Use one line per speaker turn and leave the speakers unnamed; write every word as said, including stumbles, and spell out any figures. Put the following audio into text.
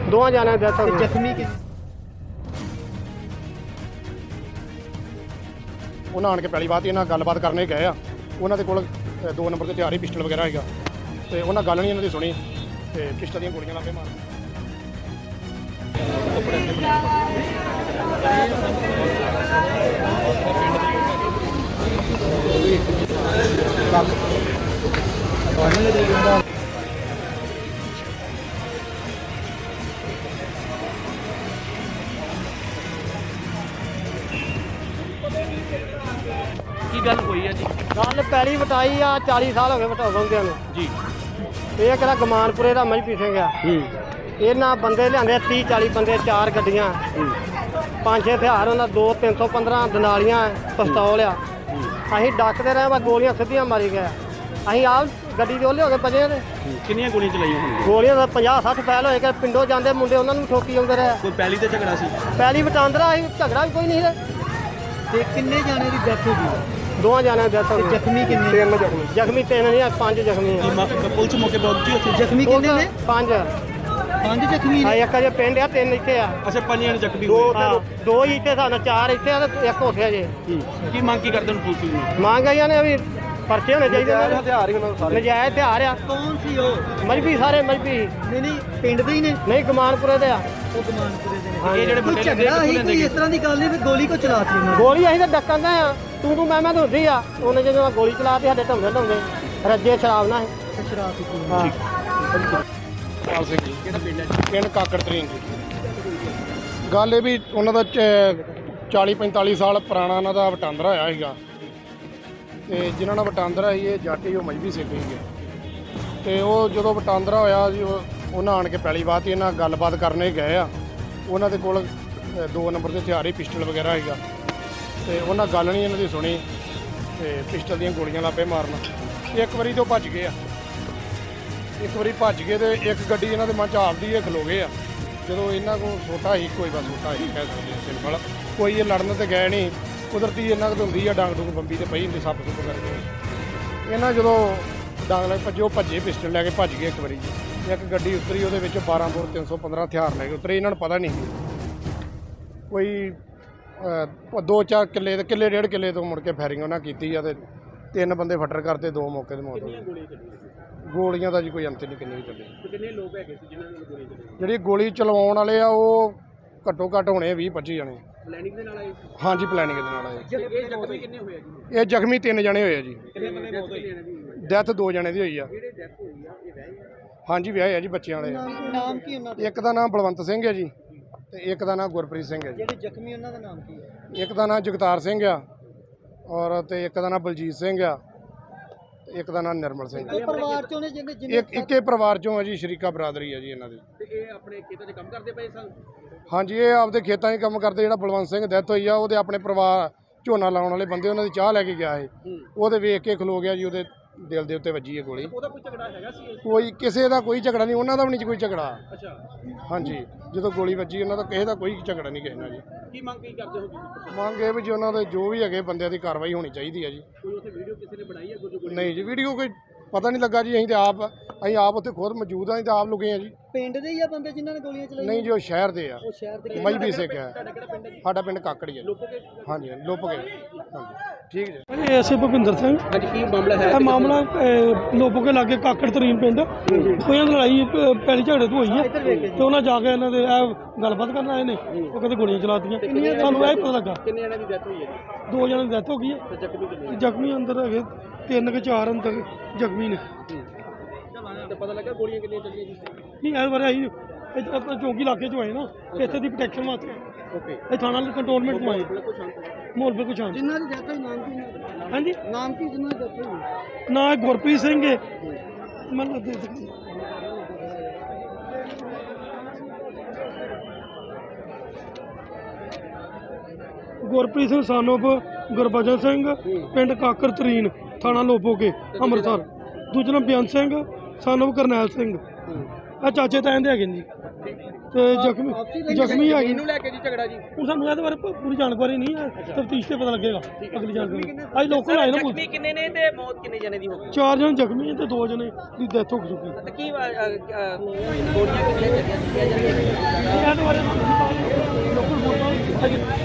ਦੋਵਾਂ ਜਾਣਿਆਂ ਦੀ ਡੈਥ ਹੋ ਗਈ।
ਜ਼ਖਮੀ ਕਿ
ਉਹਨਾਂ ਆਣ ਕੇ ਪਹਿਲੀ ਬਾਤ ਇਹਨਾਂ ਗੱਲਬਾਤ ਕਰਨੇ ਗਏ ਆ। ਉਹਨਾਂ ਦੇ ਕੋਲ ਅ, ਦੋ ਨੰਬਰ ਤੇ ਹਥਿਆਰ ਹੀ ਪਿਸਟਲ ਵਗੈਰਾ ਹੈਗਾ ਤੇ ਉਹਨਾਂ ਗੱਲ ਨਹੀਂ ਇਹਨਾਂ ਦੀ ਸੁਣੀ ਤੇ ਪਿਸਟਲ ਦੀਆਂ ਗੋਲੀਆਂ ਲਾਪੇ ਮਾਰ
ਕੀ ਗੱਲ ਹੋਈ ਹੈ ਜੀ?
ਗੱਲ ਪੈਲੀ ਵਟਾਈ ਆ, ਚਾਲੀ ਸਾਲ ਹੋ ਗਏ ਵਟਾਉਂਦਿਆਂ ਨੂੰ
ਜੀ
ਇਹ ਕਿਹੜਾ ਗਮਾਨਪੁਰੇ ਦਾ ਮਜਪੀ ਸਿੰਘ ਆ। ਇਹਨਾਂ ਬੰਦੇ ਲਿਆਂਦੇ ਤੀਹ ਚਾਲੀ ਬੰਦੇ, ਚਾਰ ਗੱਡੀਆਂ, ਪੰਜ ਛੇ ਹਥਿਆਰ, ਉਹਨਾਂ ਦੋ ਤਿੰਨ ਸੌ ਪੰਦਰਾਂ ਦਨਾਲੀਆਂ, ਪਿਸਤੌਲ ਆ। ਅਸੀਂ ਡੱਕਦੇ ਰਹੇ ਬਸ ਗੋਲੀਆਂ ਸਿੱਧੀਆਂ ਮਾਰੀ ਗਏ। ਅਸੀਂ ਆਪ ਗੱਡੀ ਦੇ ਉਹਲੇ ਹੋ ਕੇ ਭਜੇ ਨੇ।
ਕਿੰਨੀਆਂ ਗੋਲੀਆਂ ਚਲਾਈਆਂ ਹੋਣਗੀਆਂ?
ਗੋਲੀਆਂ ਦਾ ਪੰਜਾਹ ਸੱਠ ਫੈਲ ਹੋਏ ਕਿ ਪਿੰਡੋਂ ਜਾਂਦੇ ਮੁੰਡੇ ਉਹਨਾਂ ਨੂੰ ਠੋਕੀ ਆਉਂਦੇ ਰਹੇ।
ਕੋਈ ਪਹਿਲੀ ਤੇ ਝਗੜਾ ਸੀ?
ਪੈਲੀ ਵਟਾਂਦਰਾ ਅਸੀਂ ਝਗੜਾ ਵੀ ਕੋਈ ਨਹੀਂ ਸੀ।
ਤੇ ਕਿੰਨੇ ਜਾਣੇ ਦੀ ਡੈਥ ਹੋ ਗਈ?
ਦੋਵਾਂ ਜਾਣਿਆਂ ਦੀ ਡੈਥ ਹੋ ਗਈ।
ਜ਼ਖਮੀ ਕਿੰਨੇ?
ਤਿੰਨ ਜ਼ਖਮੀ ਜ਼ਖਮੀ ਤਿੰਨ ਨਹੀਂ, ਪੰਜ ਜ਼ਖਮੀ ਆ।
ਪੁਲਿਸ ਮੌਕੇ ਪਹੁੰਚੀ ਉੱਥੇ? ਜ਼ਖਮੀ ਕਿੰਨੇ ਨੇ?
ਪੰਜ
ਪੰਜ ਜ਼ਖਮੀ
ਆ।
ਨੇ?
ਇੱਕ ਅਜੇ ਪਿੰਡ ਆ, ਤਿੰਨ ਇੱਥੇ ਆ।
ਅੱਛਾ, ਪੰਜ ਜਣੇ ਜ਼ਖਮੀ
ਦੋ
ਹੋਏ।
ਹਾਂ, ਦੋ ਹੀ ਇੱਥੇ ਸਾਨੂੰ, ਚਾਰ ਇੱਥੇ ਆ ਤੇ ਇੱਕ ਉੱਥੇ ਆ ਜੇ।
ਕੀ ਮੰਗ ਕੀ ਕਰਦੇ ਨੇ ਪੁਲਿਸ ਨੂੰ?
ਮੰਗ ਆਈਆਂ ਨੇ ਵੀ ਪਰਚੇ ਹੋਣੇ ਚਾਹੀਦੇ ਨੇ।
ਹਥਿਆਰ ਹੀ ਉਹਨਾਂ ਦੇ ਸਾਰੇ
ਨਜਾਇਜ਼ ਹਥਿਆਰ ਆ।
ਕੌਣ ਸੀ ਉਹ?
ਮਜਬੀ ਸਾਰੇ ਮਜਬੀ
ਨਹੀਂ ਨਹੀਂ, ਪਿੰਡ ਦੇ ਹੀ ਨੇ?
ਨਹੀਂ, ਗਮਾਨਪੁਰੇ ਦੇ ਆ।
ਉਹ ਗਮਾਨਪੁਰੇ ਦੇ
ਹਾਂ,
ਨੇ। ਇਹ ਜਿਹੜੇ
ਕੋਈ
ਮੁੰਡੇ
ਝਗੜਾ ਹੀ ਕੋਈ ਇਸ ਤਰ੍ਹਾਂ ਦੀ ਗੱਲ ਨਹੀਂ ਵੀ ਗੋਲੀ ਕੋ ਚਲਾਤੀ ਉਹਨਾਂ ਨੇ।
ਗੋਲੀ ਅਸੀਂ ਤਾਂ ਡੱਕਾਂ ਗਏ ਆ, ਤੂੰ ਤੂੰ ਮੈਂ ਮੈਂ ਤਾਂ ਹੁੰਦੀ ਆ। ਉਹਨੇ ਜਦੋਂ ਗੋਲੀ ਚਲਾਤੀ ਸਾਡੇ ਢੰਗੇ ਢੰਗੇ ਰੱਜੇ ਸ਼ਰਾਬ ਨਾਲ
ਤੇ ਸ਼ਰਾਬ ਪੀਤੀ
ਹਾਂ।
ਪਾਲ ਸਿੰਘ ਜੀ,
ਕਿਹੜਾ ਪਿੰਡ ਹੈ?
ਪਿੰਡ ਕਾਕੜ ਤਰੀਨ ਜੀ। ਗੱਲ ਇਹ ਵੀ ਉਹਨਾਂ ਦਾ ਚਾਲੀ ਪੰਤਾਲੀ ਸਾਲ ਪੁਰਾਣਾ ਉਹਨਾਂ ਦਾ ਵਟਾਂਦਰਾ ਹੋਇਆ ਸੀਗਾ ਤੇ ਜਿਨ੍ਹਾਂ ਨਾਲ ਵਟਾਂਦਰਾ ਸੀ ਇਹ ਜੱਟ ਹੀ, ਉਹ ਮਜਬੀ ਸਿੱਖ ਸੀਗੇ ਤੇ ਉਹ ਜਦੋਂ ਵਟਾਂਦਰਾ ਹੋਇਆ ਜੀ ਉਹ ਉਹਨਾਂ ਆਣ ਕੇ ਪਹਿਲੀ ਬਾਤ ਇਹਨਾਂ ਗੱਲਬਾਤ ਕਰਨੇ ਗਏ ਆ। ਉਹਨਾਂ ਦੇ ਕੋਲ ਅ, ਦੋ ਨੰਬਰ ਤੇ ਹਥਿਆਰ ਹੀ ਪਿਸਟਲ ਵਗੈਰਾ ਹੈਗਾ ਤੇ ਉਹਨਾਂ ਗੱਲ ਨਹੀਂ ਇਹਨਾਂ ਦੀ ਸੁਣੀ ਤੇ ਪਿਸਟਲ ਦੀਆਂ ਗੋਲੀਆਂ ਲਾਪੇ ਮਾਰਨ। ਇੱਕ ਵਾਰੀ ਤੋਂ ਭੱਜ ਗਏ ਆ, ਇੱਕ ਵਾਰੀ ਭੱਜ ਗਏ ਤੇ ਇੱਕ ਗੱਡੀ ਇਹਨਾਂ ਦੇ ਮਨ ਚ ਆਪਦੀ ਇਹ ਖਲੋ ਗਏ ਆ। ਜਦੋਂ ਇਹਨਾਂ ਕੋਲ ਛੋਟਾ ਹੀ ਕੋਈ ਬਸ ਛੋਟਾ ਹੀ ਕਹਿ ਸਕਦੇ ਆ ਸਿੰਪਲ, ਕੋਈ ਇਹ ਲੜਨ ਤੇ ਗਏ ਨਹੀਂ। ਕੁਦਰਤੀ ਇਹਨਾਂ ਕੋਲ ਹੁੰਦੀ ਆ ਡਾਂਗ ਡੂੰਗ ਬੰਬੀ ਤੇ ਪਈ ਹੁੰਦੀ ਸੱਪ ਸੁੱਪ ਕਰਕੇ। ਇਹਨਾਂ ਜਦੋਂ ਡਾਂਗ ਲੈ ਭੱਜੇ, ਉਹ ਭੱਜੇ ਪਿਸਟਲ ਲੈ ਕੇ ਭੱਜ ਗਏ ਇੱਕ ਵਾਰੀ ਜੀ। ਇੱਕ ਗੱਡੀ ਉਤਰੀ, ਉਹਦੇ ਵਿੱਚ ਬਾਰਾਂ ਬੋਰ ਤਿੰਨ ਸੌ ਪੰਦਰਾਂ ਹਥਿਆਰ ਲੈ ਕੇ ਉਤਰੇ। ਇਹਨਾਂ ਨੂੰ ਪਤਾ ਨਹੀਂ ਕੋਈ ਅਹ, ਦੋ ਚਾਰ ਕਿੱਲੇ ਦੇ ਕਿੱਲੇ ਡੇਢ ਕਿੱਲੇ ਤੋਂ ਮੁੜ ਕੇ ਫਾਇਰਿੰਗ ਉਹਨਾਂ ਕੀਤੀ ਆ ਤੇ ਤਿੰਨ ਬੰਦੇ ਫੱਟਰ ਕਰਤੇ, ਦੋ ਮੌਕੇ ਤੇ ਮੌਤ ਹੋ ਗਈ।
ਗੋਲੀਆਂ ਚੱਲੀਆਂ?
ਗੋਲੀਆਂ ਦਾ ਜੀ ਕੋਈ ਅੰਤ ਨਹੀਂ ਕਿੰਨੀ ਚੱਲੀ।
ਕਿੰਨੇ ਲੋਕ ਹੈਗੇ ਸੀ ਜਿਨ੍ਹਾਂ ਨੇ ਗੋਲੀਆਂ ਚਲਾਈਆਂ?
ਜਿਹੜੀ ਗੋਲੀ ਚਲਵਾਉਣ ਵਾਲੇ ਆ ਉਹ ਘੱਟੋ ਘੱਟ ਹੋਣੇ ਵੀਹ ਪੱਚੀ ਜਣੇ।
ਪਲੈਨਿੰਗ ਦੇ ਨਾਲ ਆਏ ਸੀ?
ਹਾਂਜੀ, ਪਲੈਨਿੰਗ ਦੇ ਨਾਲ ਆਏ।
ਇਹ ਜ਼ਖਮੀ ਕਿੰਨੇ ਹੋਏ ਆ ਜੀ?
ਇਹ ਜ਼ਖਮੀ ਤਿੰਨ ਜਣੇ ਹੋਏ ਆ ਜੀ।
ਕਿੰਨੇ ਬੰਦੇ ਮੌਤ ਹੋਈ?
ਡੈਥ ਦੋ ਜਣੇ ਦੀ ਹੋਈ ਆ।
ਜਿਹੜੇ ਡੈਥ ਹੋਈ ਆ ਇਹ ਵਹਿ ਆ?
ਹਾਂਜੀ, ਵਿਆਹ ਆ ਜੀ, ਬੱਚਿਆਂ ਵਾਲੇ।
ਨਾਮ ਕੀ ਉਹਨਾਂ ਦਾ?
ਇੱਕ ਦਾ ਨਾਮ ਬਲਵੰਤ ਸਿੰਘ ਹੈ ਜੀ ਤੇ ਇੱਕ ਦਾ ਨਾਮ ਗੁਰਪ੍ਰੀਤ ਸਿੰਘ ਹੈ ਜੀ।
ਜਿਹੜੇ ਜ਼ਖਮੀ ਉਹਨਾਂ ਦਾ ਨਾਮ ਕੀ ਹੈ?
ਇੱਕ ਦਾ ਨਾਮ ਜਗਤਾਰ ਸਿੰਘ ਆ ਔਰ ਤੇ ਇੱਕ ਦਾ ਨਾਮ ਬਲਜੀਤ ਸਿੰਘ ਆ ਤੇ ਇੱਕ ਦਾ ਨਾਮ ਨਿਰਮਲ ਸਿੰਘ।
ਇਹ ਪਰਿਵਾਰ ਚੋਂ ਨੇ ਜਿਹਨੇ ਜਿਹਨੇ
ਇੱਕ ਇੱਕੇ ਪਰਿਵਾਰ ਚੋਂ ਆ ਜੀ, ਸ਼ਰੀਕਾ ਬਰਾਦਰੀ ਆ ਜੀ ਇਹਨਾਂ ਦੀ।
ਤੇ ਇਹ ਆਪਣੇ ਖੇਤਾਂ 'ਚ ਕੰਮ ਕਰਦੇ ਪਏ ਸਨ?
ਹਾਂਜੀ, ਇਹ ਆਪਦੇ ਖੇਤਾਂ 'ਚ ਕੰਮ ਕਰਦੇ। ਜਿਹੜਾ ਬਲਵੰਤ ਸਿੰਘ ਡੈਥ ਹੋਈ ਆ ਉਹਦੇ ਆਪਣੇ ਪਰਿਵਾਰ ਝੋਨਾ ਲਾਉਣ ਵਾਲੇ ਬੰਦੇ ਉਹਨਾਂ ਦੀ ਚਾਹ ਲੈ ਕੇ ਗਿਆ ਸੀ, ਉਹਦੇ ਵੇਖ ਕੇ ਖਲੋ ਗਿਆ ਜੀ, ਉਹਦੇ ਦਿਲ ਦੇ ਉੱਤੇ ਵੱਜੀ ਹੈ ਗੋਲੀ।
ਉਹਦਾ ਕੋਈ ਝਗੜਾ ਹੈਗਾ ਸੀ?
ਕੋਈ ਕਿਸੇ ਦਾ ਕੋਈ ਝਗੜਾ ਨਹੀਂ, ਉਹਨਾਂ ਦਾ ਵੀ ਨਹੀਂ ਕੋਈ ਝਗੜਾ।
ਅੱਛਾ,
ਹਾਂਜੀ, ਜਦੋਂ ਗੋਲੀ ਵੱਜੀ ਉਹਨਾਂ ਦਾ ਕਿਸੇ ਦਾ ਕੋਈ ਝਗੜਾ ਨਹੀਂ ਕਿਸੇ ਨਾਲ ਜੀ।
ਕੀ ਮੰਗ ਕੀ ਕਰਦੇ ਹੋ ਤੁਸੀਂ?
ਮੰਗ ਇਹ ਵੀ ਜੀ ਉਹਨਾਂ ਦੇ ਜੋ ਵੀ ਹੈਗੇ ਬੰਦਿਆਂ ਦੀ ਕਾਰਵਾਈ ਹੋਣੀ ਚਾਹੀਦੀ ਹੈ ਜੀ।
ਕੋਈ ਉੱਥੇ ਵੀਡੀਓ ਕਿਸੇ ਨੇ ਬਣਾਈ ਹੈ? ਕੋਈ
ਨਹੀਂ ਜੀ, ਵੀਡੀਓ ਕੋਈ ਪਤਾ ਨਹੀਂ ਲੱਗਾ ਜੀ। ਅਸੀਂ ਤੇ ਆਪ ਅਸੀਂ ਆਪ ਉੱਥੇ ਖੁਦ ਮੌਜੂਦ ਹਾਂ, ਅਸੀਂ ਤਾਂ ਆਪ ਲੁਕੇ ਹਾਂ ਜੀ।
ਪਿੰਡ ਦੇ ਹੀ ਆ ਬੰਦੇ ਜਿਨ੍ਹਾਂ ਨੇ ਗੋਲੀਆਂ ਚਲਾਈਆਂ?
ਨਹੀਂ ਜੀ, ਉਹ ਸ਼ਹਿਰ ਦੇ ਆ,
ਉਹ ਸ਼ਹਿਰ ਦੇ।
ਮਜਬੀ ਸਿੱਖ ਹੈ।
ਤੁਹਾਡਾ ਕਿਹੜਾ ਪਿੰਡ ਹੈ ਜੀ?
ਸਾਡਾ ਪਿੰਡ ਕਾਕੜੀ ਹੈ ਜੀ।
ਲੋਕੋ ਕੇ?
ਹਾਂਜੀ, ਲੁੱਪ ਗਏ। ਹਾਂਜੀ, ਠੀਕ ਜੀ।
ਇਹ ਐਸੇ ਭੁਪਿੰਦਰ ਸਿੰਘ।
ਹਾਂਜੀ, ਕੀ ਮਾਮਲਾ ਹੈ?
ਇਹ ਮਾਮਲਾ ਲੋਪੋ ਕੇ ਲਾਗੇ ਕਾਕੜ ਤਰੀਨ ਪਿੰਡ ਕੋਈ ਲੜਾਈ ਪ- ਪਹਿਲੀ ਝਗੜੇ ਤੋਂ ਹੋਈ ਹੈ ਤੇ ਉਹਨਾਂ ਜਾ ਕੇ ਇਹਨਾਂ ਦੇ ਇਹ ਗੱਲਬਾਤ ਕਰਨ ਆਏ ਨੇ। ਉਹ ਕਹਿੰਦੇ ਗੋਲੀਆਂ ਚਲਾਤੀਆਂ। ਸਾਨੂੰ ਇਹ ਪਤਾ ਲੱਗਾ
ਕਿੰਨੇ ਜਣਿਆਂ ਦੀ ਡੈਥ ਹੋਈ ਹੈ ਜੀ?
ਦੋ ਜਣਾਂ ਦੀ ਡੈਥ ਹੋ ਗਈ ਹੈ
ਤੇ ਜ਼ਖਮੀ ਕਿੰਨੇ?
ਤੇ ਜ਼ਖਮੀ ਅੰਦਰ ਹੈਗੇ ਤਿੰਨ ਕਿ ਚਾਰ ਅੰਦਰ ਜ਼ਖਮੀ ਨੇ।
ਤੇ ਪਤਾ ਲੱਗਾ ਗੋਲੀਆਂ ਕਿੰਨੀਆਂ ਚੱਲੀਆਂ ਜੀ?
ਨਹੀਂ ਇਸ ਬਾਰੇ ਅਸੀਂ ਇੱਥੇ ਆਪਣਾ ਚੌਂਕੀ ਇਲਾਕੇ 'ਚੋਂ ਆਏ ਨਾ, ਇੱਥੇ ਦੀ ਪ੍ਰੋਟੈਕਸ਼ਨ ਵਾਸਤੇ
ਓਕੇ,
ਇਹ ਥਾਣਾ ਕੰਟਰੋਲਮੈਂਟ ਤੋਂ ਆਏ।
ਬਿਲਕੁਲ ਸ਼ਾਂਤ ਹੈ।
ਮਾਹੌਲ ਬਿਲਕੁਲ ਸ਼ਾਂਤ।
ਜਿਨ੍ਹਾਂ ਦੀ ਡੈਥ ਹੋਈ ਨਾਮ ਕੀ ਉਹਨਾਂ ਦਾ?
ਹਾਂਜੀ,
ਨਾਮ ਕੀ ਜਿਨ੍ਹਾਂ ਦੀ ਡੈਥ ਹੋਈ?
ਨਾ ਇਹ ਗੁਰਪ੍ਰੀਤ ਸਿੰਘ ਹੈ। ਮੈਨੂੰ ਦੇ ਦੇ ਗੁਰਪ੍ਰੀਤ ਸਿੰਘ ਸਾਨੋਪ ਗੁਰਬਚਨ ਸਿੰਘ, ਪਿੰਡ ਕਾਕਰ ਤਰੀਨ, ਥਾਣਾ ਲੋਪੋਕੇ, ਅੰਮ੍ਰਿਤਸਰ। ਦੂਜਾ ਨਾਮ ਬਿਆਨ ਸਿੰਘ ਸਾਨੋਪ ਕਰਨੈਲ ਸਿੰਘ। ਆ ਚਾਚੇ ਤਾਇਆਂ ਦੇ ਹੈਗੇ ਨੇ ਜੀ। ਤੇ ਜ਼ਖਮੀ ਜ਼ਖਮੀ ਹੈਗੀ।
ਇਹਨੂੰ ਲੈ ਕੇ ਜੀ ਝਗੜਾ ਜੀ?
ਹੁਣ ਸਾਨੂੰ ਇਹਦੇ ਬਾਰੇ ਪ- ਪੂਰੀ ਜਾਣਕਾਰੀ ਨਹੀਂ ਹੈ, ਤਫਤੀਸ਼ ਤੇ ਪਤਾ ਲੱਗੇਗਾ ਅਗਲੀ ਜਾਣਕਾਰੀ। ਅੱਜ ਲੋਕਲ ਆਏ ਨਾ ਪੁਲਿਸ।
ਜ਼ਖਮੀ ਕਿੰਨੇ ਨੇ ਤੇ ਮੌਤ ਕਿੰਨੇ ਜਣੇ ਦੀ ਹੋ ਗਈ?
ਚਾਰ ਜਣੇ ਜ਼ਖਮੀ ਤੇ ਦੋ ਜਣੇ ਦੀ ਡੈਥ ਹੋ ਚੁੱਕੀ।
ਤੇ ਕੀ ਗੋਲੀਆਂ ਕਿੰਨੀਆਂ ਚੱਲੀਆਂ? ਹਾਂਜੀ